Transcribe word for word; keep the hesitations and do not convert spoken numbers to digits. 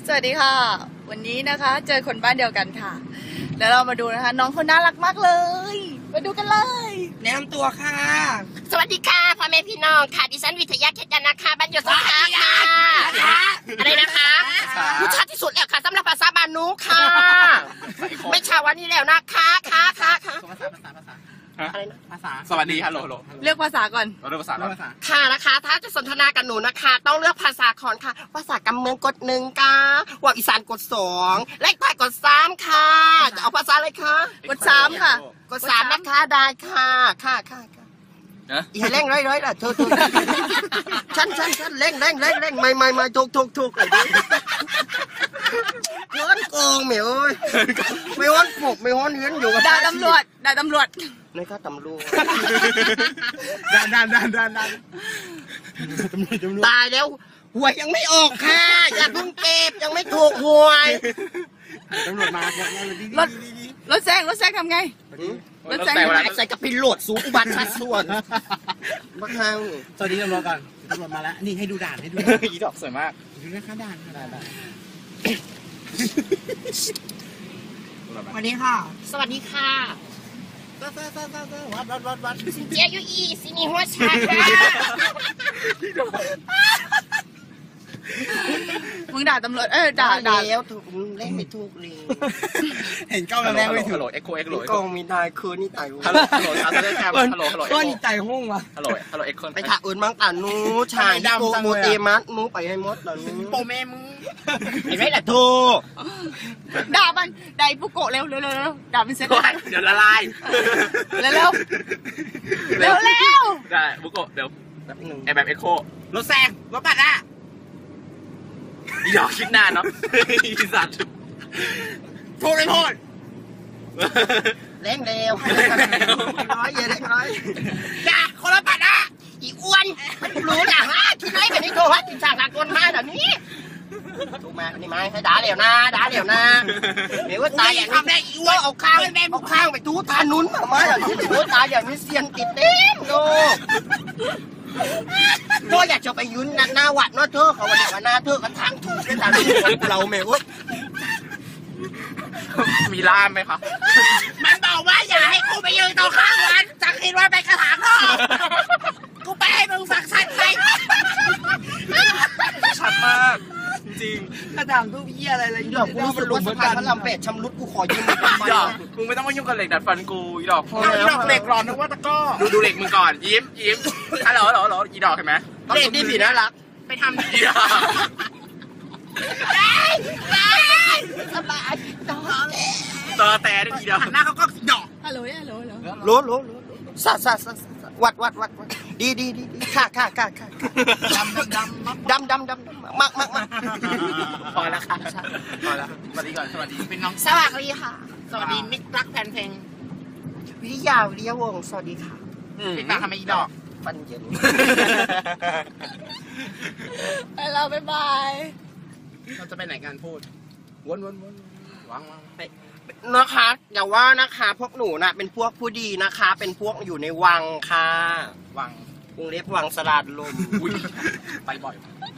สวัสดีค่ะวันนี้นะคะเจอคนบ้านเดียวกันค่ะแล้วเรามาดูนะคะน้องคนน่ารักมากเลยมาดูกันเลยแนะนำตัวค่ะสวัสดีค่ะพ่อแม่พี่น้องค่ะดิฉันวิทยาเขตยานะคะบ้านอยู่สงขลาค่ะอะไรนะคะรู้ชัดที่สุดแล้วค่ะสำหรับภาษาบานูค่ะไม่ชาวันนี้แล้วนะคะค่ะค่ะค่ะภาษาภาษาภาษาอะไรนะภาษาสวัสดีฮัลโหลฮัลโหลเลือกภาษาก่อนเราเลือกภาษาแล้วค่ะนะคะถ้าจะสนทนากับหนูนะคะต้องเลือกภาษาก่อนค่ะภาษากำเมืองกดหนึ่งค่ะว่าอีสานกดสองเลขใต้กดสามค่ะจะเอาภาษาอะไรคะกดสามค่ะกดสามนะคะได้ค่ะค่ะค่ะอย่าเร่งร้อยร้อยล่ะถูกถูกฉันฉันฉันเร่งเร่งเร่งเร่งไม่ไม่ไม่ถูกถูกถูกเลยดิย้อนโกงเหมียวไม่ฮ้อนปลุกไม่ฮ้อนเห็นอยู่กับด่าตำรวจด่าตำรวจนี่ก็ตำรวจดันดันดันดันดันตายแล้วหวยยังไม่ออกค่ะอย่าเพิ่งเก็บยังไม่ถูกหวยตำรวจมารถรถแซงรถแซงทำไงรถแซงใส่กับพิโรดสูงอุบัติชัดส่วนบ้าข้างสวัสดีตำรวจก่อนตำรวจมาแล้วนี่ให้ดูด่านให้ดูอีดอกสวยมากดูนะคะด่านด่านสวัสดีค่ะสวัสดีค่ะวัดวัดวัดวัดวัดวัดวัดวัดสิเจียยูอีสินีหัวชาค่ะมึงด่าตำรวจเออด่าด่าแล้วถูกเล่นไม่ถูกเลยเห็นกล้องแล้วไม่ถูกฮัลโหลเอ็กโคเอ็กโหลกล้องมีตายคืนนี่ตายฮัลโหลฮัลโหลฮัลโหลฮัลโหลฮัลโหลก็นี่ตายห้องวะฮัลโหลฮัลโหลเอ็กโคไปถ่ายอื่นบ้างแต่นู้ชายโปโมเตมัสนู้ไปให้มดตอนนี้โปแม่มึงไอ้ไม่ละทูด่ามันด่าปุโกะเร็วเร็วเร็วด่าเป็นเซตเดี๋ยวละลายเร็วเร็วเร็วเร็วได้ปุโกะเดี๋ยวไอแบบเอ็กโครถแซงรถปัดอ่ะอีดอกคิดนานเนาะอีสัตว์โทษเลยโทษเร่งเร็วร้อยเยอะเร่งร้อยอย่าคนละปัดอ่ะอีอ้วนรู้นะฮะคิดไรแบบนี้โทรฮัทกินจากหลักคนมาแบบนี้ถูกไหมนี่ไหมให้ด่าเดี๋ยวนะด่าเดี๋ยวนะเดี๋ยวว่าตายอย่างนี้ได้อีอ้วนเอาข้างเอาข้างไปทูทานุ้นมาอย่างนี้เดี๋ยวตายอย่างนี้เซียนติดเต็มโลเธออยากจะไปยืนหน้าวัดเนาะเธอเขาวันนี้วันหน้าเธอกันทางถูกกันทางถูกเราเมวมีล่ามไหมคะมันบอกว่าอย่าให้กูไปยืนตรงข้างวัดจักคิดว่าไปกระถางทองกูไปให้มึงสักชัดไปชัดมากจริงกระถางทุกเหี้ยอะไรเลยดอกกูรู้สึกว่าสะพานพระรามแปดชำรุดกูขอยืมมันไปดอกมึงไม่ต้องมายุ่งกับเหล็กดัดฟันกูอีดอกพอแล้วดอกเหล็กหลอนนึกว่าตะก้อดูดูเหล็กมึงก่อนยิ้มยิ้มฮัลโหลฮัลโหลฮัลโหลอีดอกเห็นไหมเหล็กนี่ผีน่ารักไปทำดีสบายต่อแต่ได้อีดอกหน้าเขาก็ดอกฮัลโหลฮัลโหลฮัลโหลรู้รู้รู้สัสสัสวัดวัดวัดดีดีดีค่ะค่ะค่ะค่ะดำดำดำดำดำมากมากมากพอแล้วค่ะพอแล้วสวัสดีก่อนสวัสดีเป็นน้องสวัสดีค่ะสวัสดีมิตรรักแฟนเพลงวิทยาวิทยาวงศ์สวัสดีค่ะเป็นมาทำไมดอกฟันเย็นไปแล้วบ๊ายบายเราจะไปไหนกันพูดวนวนวนวางวางไปนะคะอย่าว่านะคะพวกหนูนะเป็นพวกผู้ดีนะคะเป็นพวกอยู่ในวังค่ะวังวงเล็บวังสลัดลมไปบ่อย